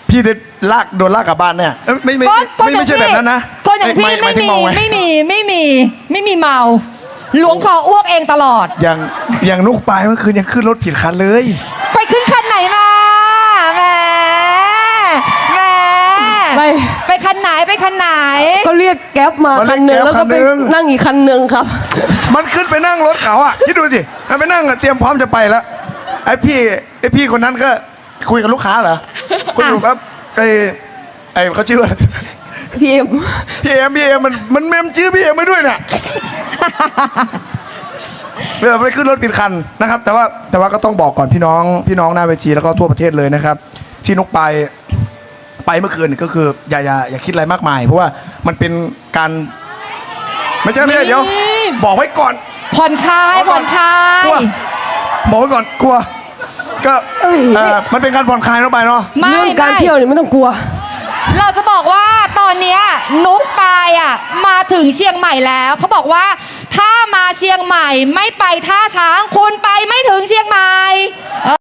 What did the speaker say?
พี่ได้โดนลากกลับบ้านเนี่ยไม่ใช่แบบนั้นนะคนอย่างพี่ไม่มีเมาหลวงคออ้วกเองตลอดอย่างนุกปลายเมื่อคืนยังขึ้นรถผิดคันเลยไปขึ้นคันไหนมาแหมไปคันไหนก็เรียกแก๊ปมาคันหนึ่งแล้วก็ไปนั่งอีกคันหนึ่งครับมันขึ้นไปนั่งรถเขาอ่ะคิดดูสิไปนั่งเตรียมพร้อมจะไปแล้วไอ้พี่คนนั้นก็คุยกับลูกค้าเหรอคุยอยู่ครับไอ้เขาชื่อว่าพี่เอ็มมันเมมชื่อพี่เอ็มไม่ด้วยเนี่ยเวลาไปขึ้นรถผิดคันนะครับแต่ว่าก็ต้องบอกก่อนพี่น้องหน้าเวทีแล้วก็ทั่วประเทศเลยนะครับที่นุกไปเมื่อคืนก็คืออย่าคิดอะไรมากมายเพราะว่ามันเป็นการไม่ใช่เดี๋ยวบอกไว้ก่อนผ่อนคลายบอกไว้ก่อนกลัวก็มันเป็นการผ่อนคลายเข้าไปเนาะเรื่องการเที่ยวนี่ไม่ต้องกลัวเราจะบอกว่าตอนนี้นุ๊กปายมาถึงเชียงใหม่แล้วเขาบอกว่าถ้ามาเชียงใหม่ไม่ไปท่าช้างคุณไปไม่ถึงเชียงใหม่